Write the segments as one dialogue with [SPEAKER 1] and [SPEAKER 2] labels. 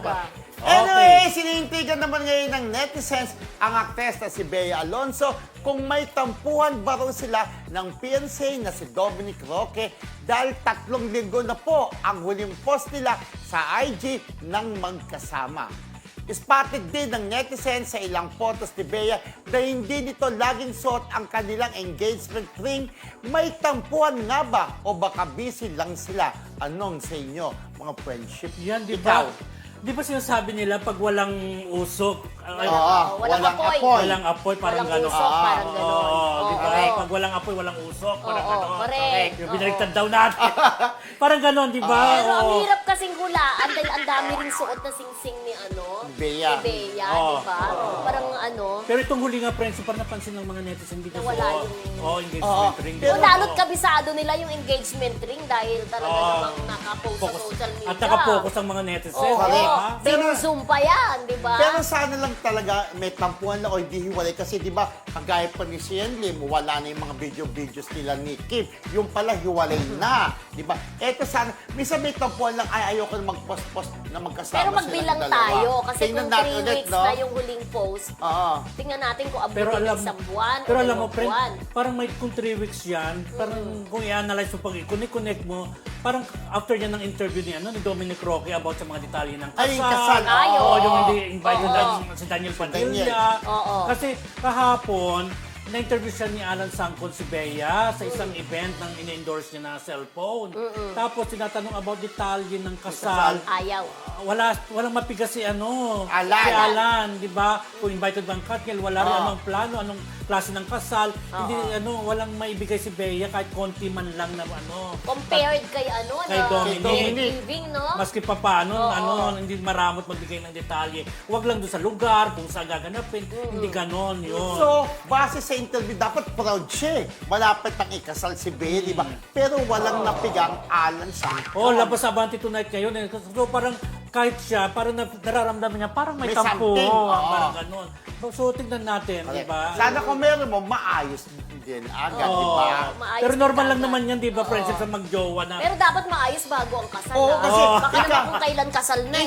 [SPEAKER 1] ba?
[SPEAKER 2] Anyway, sinintigan naman ngayon ng netizens ang aktres na si Bea Alonzo kung may tampuhan ba raw sila ng fiancé na si Dominic Roque dahil 3 linggo na po ang huling post nila sa IG ng magkasama. Spotted din ng netizens sa ilang photos ni Bea na hindi nito laging suot ang kanilang engagement ring. May tampuhan nga ba o baka busy lang sila? Anong sa inyo, mga friendship?
[SPEAKER 3] Yan, di
[SPEAKER 2] Ikaw?
[SPEAKER 3] ba? Di ba sinasabi nila pag walang usok,
[SPEAKER 1] walang apoy.
[SPEAKER 3] walang apoy, parang
[SPEAKER 1] Walang
[SPEAKER 3] gano'n.
[SPEAKER 1] usok, parang gano'n.
[SPEAKER 3] Di ba?
[SPEAKER 1] correct.
[SPEAKER 3] Pag walang apoy, walang usok, parang
[SPEAKER 1] Oo,
[SPEAKER 3] gano'n.
[SPEAKER 1] correct.
[SPEAKER 3] Yung binaliktad daw natin. Parang gano'n, di ba?
[SPEAKER 1] Pero ang
[SPEAKER 3] Oo.
[SPEAKER 1] hirap kasing hulaan dahil ang dami ring suot na sing-sing ni
[SPEAKER 2] Bea.
[SPEAKER 1] ni Bea,
[SPEAKER 3] Oo.
[SPEAKER 1] di ba? Parang
[SPEAKER 3] Pero itong huli nga, friends, parang napansin ng mga netizen dito
[SPEAKER 1] Nawala
[SPEAKER 3] sa
[SPEAKER 1] yung-
[SPEAKER 3] engagement ring.
[SPEAKER 2] Pero-
[SPEAKER 1] lalo't kabisado nila yung engagement ring dahil talaga namang nakapost sa
[SPEAKER 3] Focus.
[SPEAKER 1] social media.
[SPEAKER 3] At nakapokus ang mga netizen.
[SPEAKER 1] Oo,
[SPEAKER 3] di ba?
[SPEAKER 1] Zoom pa yan, di ba?
[SPEAKER 2] Pero sana lang talaga may tampuhan lang o hindi hiwalay. Kasi di ba, kagaya pa ni Sian Lim, wala na yung mga videos nila ni Kim. Yung pala, hiwalay na. Di ba? Eto sana, minsan may tampuhan lang, ay ayoko na mag-post-post na magkasama
[SPEAKER 1] Pero magbilang
[SPEAKER 2] silang dalawa.
[SPEAKER 1] tayo. Kasi
[SPEAKER 2] Tingnan
[SPEAKER 1] kung
[SPEAKER 2] natin
[SPEAKER 1] 3
[SPEAKER 2] ulit,
[SPEAKER 1] weeks
[SPEAKER 2] no?
[SPEAKER 1] na yung huling post,
[SPEAKER 2] Oo.
[SPEAKER 1] tingnan natin kung
[SPEAKER 3] Pero
[SPEAKER 1] abutin
[SPEAKER 3] alam,
[SPEAKER 1] ng isang buwan
[SPEAKER 3] pero
[SPEAKER 1] o
[SPEAKER 3] alam mo,
[SPEAKER 1] 2
[SPEAKER 3] friend,
[SPEAKER 1] buwan.
[SPEAKER 3] parang may kung 3 weeks yan, parang kung i-analyze mo pag i-connect mo, parang after yan ng interview ni Dominic Roque about sa mga detalye ng kasal.
[SPEAKER 2] Ay, yung kasal.
[SPEAKER 1] Ay,
[SPEAKER 3] Oo,
[SPEAKER 1] oo.
[SPEAKER 3] yung hindi invited
[SPEAKER 1] Oo.
[SPEAKER 3] na si Daniel Padilla.
[SPEAKER 1] Oo.
[SPEAKER 3] Kasi kahapon, na-interview siya ni Alan Sangkon si Bea sa isang event ng in-endorse niya na cellphone. Tapos tinatanong about detalye ng kasal.
[SPEAKER 1] Ayaw.
[SPEAKER 3] Walang mapigas si
[SPEAKER 2] Alan.
[SPEAKER 3] Si Alan, di ba? Kung invited bang Katniel, wala rin
[SPEAKER 2] Oo.
[SPEAKER 3] anong plano, anong klase ng kasal. Hindi walang maibigay si Bea kahit konti man lang na
[SPEAKER 1] Compared kay
[SPEAKER 3] Kay
[SPEAKER 1] na
[SPEAKER 3] Dominic.
[SPEAKER 1] living, no?
[SPEAKER 3] Maski pa paano,
[SPEAKER 1] Oo.
[SPEAKER 3] hindi maramot magbigay ng detalye. Huwag lang doon sa lugar, kung saan gaganapin. Hindi ganon yun.
[SPEAKER 2] So, base sa interview, dapat proud siya. Malapit ang ikasal si Bea, di ba? Pero walang napigang Alan Sangkon.
[SPEAKER 3] Oh, labas sa Abante Tonight ngayon. So parang kahit siya, parang nararamdaman niya, parang may
[SPEAKER 2] May
[SPEAKER 3] tampo.
[SPEAKER 2] something, oo.
[SPEAKER 3] Parang ganon. So tignan natin, di ba?
[SPEAKER 2] Sana kung meron mo, maayos din agad, di ba?
[SPEAKER 1] Maayos
[SPEAKER 3] Pero normal lang
[SPEAKER 1] agad.
[SPEAKER 3] naman yan, di ba, friendship, sa magjowa na.
[SPEAKER 1] Pero dapat maayos bago ang kasal.
[SPEAKER 2] Oo,
[SPEAKER 1] ah.
[SPEAKER 2] kasi
[SPEAKER 1] Baka naman kung kailan kasal na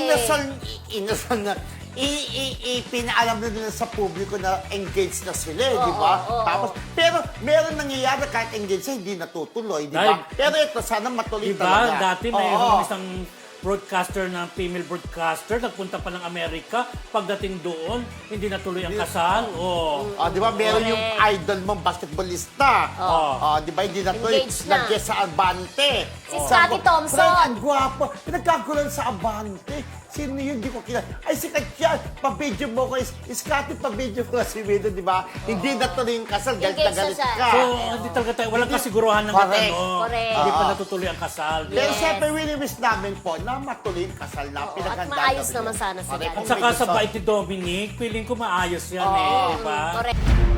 [SPEAKER 2] Inasal na. Pinaalam na nila sa publiko na engaged na sila, di ba?
[SPEAKER 1] oo.
[SPEAKER 2] Tapos, pero meron nangyayari kahit engaged siya, hindi natutuloy, di ba?
[SPEAKER 3] Dahil-
[SPEAKER 2] Pero ito, sana matuloy
[SPEAKER 3] Di
[SPEAKER 2] talaga.
[SPEAKER 3] ba? Dati
[SPEAKER 2] Oo.
[SPEAKER 3] mayroong isang broadcaster na female broadcaster, nagpunta pa ng Amerika, pagdating doon, hindi natuloy ang kasal. Oh.
[SPEAKER 2] Di ba? Meron yung
[SPEAKER 1] Correct.
[SPEAKER 2] idol mong basketballista. Di ba? Hindi natuloy.
[SPEAKER 1] Engaged na.
[SPEAKER 2] Nag-guest sa Abante.
[SPEAKER 1] Si Scotty Thompson.
[SPEAKER 2] Friend, ang gwapo. Pinagkagulan sa Abante. Sino yun? Di ko kilala. Ay, sikat yan. Pa-video mo ko. Scotty, pa-video ko si Widow, di ba? Hindi natuloy yung kasal. Galit na
[SPEAKER 1] Engaged na
[SPEAKER 2] galit
[SPEAKER 1] siya.
[SPEAKER 2] ka.
[SPEAKER 3] So, hindi talaga tayo, walang kasiguruhan ng
[SPEAKER 2] Correct.
[SPEAKER 1] Correct.
[SPEAKER 3] Hindi pa natutuloy ang kasal.
[SPEAKER 2] Pero
[SPEAKER 1] Yes.
[SPEAKER 2] siyempre, wish namin po na matuloy yung kasal na
[SPEAKER 1] Oo,
[SPEAKER 2] pinaghandaan
[SPEAKER 1] at maayos
[SPEAKER 2] namin.
[SPEAKER 1] naman sana sila.
[SPEAKER 2] Correct.
[SPEAKER 3] At
[SPEAKER 2] Kung
[SPEAKER 3] saka
[SPEAKER 2] may
[SPEAKER 3] sa
[SPEAKER 2] gusto.
[SPEAKER 3] bait ni Dominic, feeling ko maayos yan eh, di ba?
[SPEAKER 1] Correct.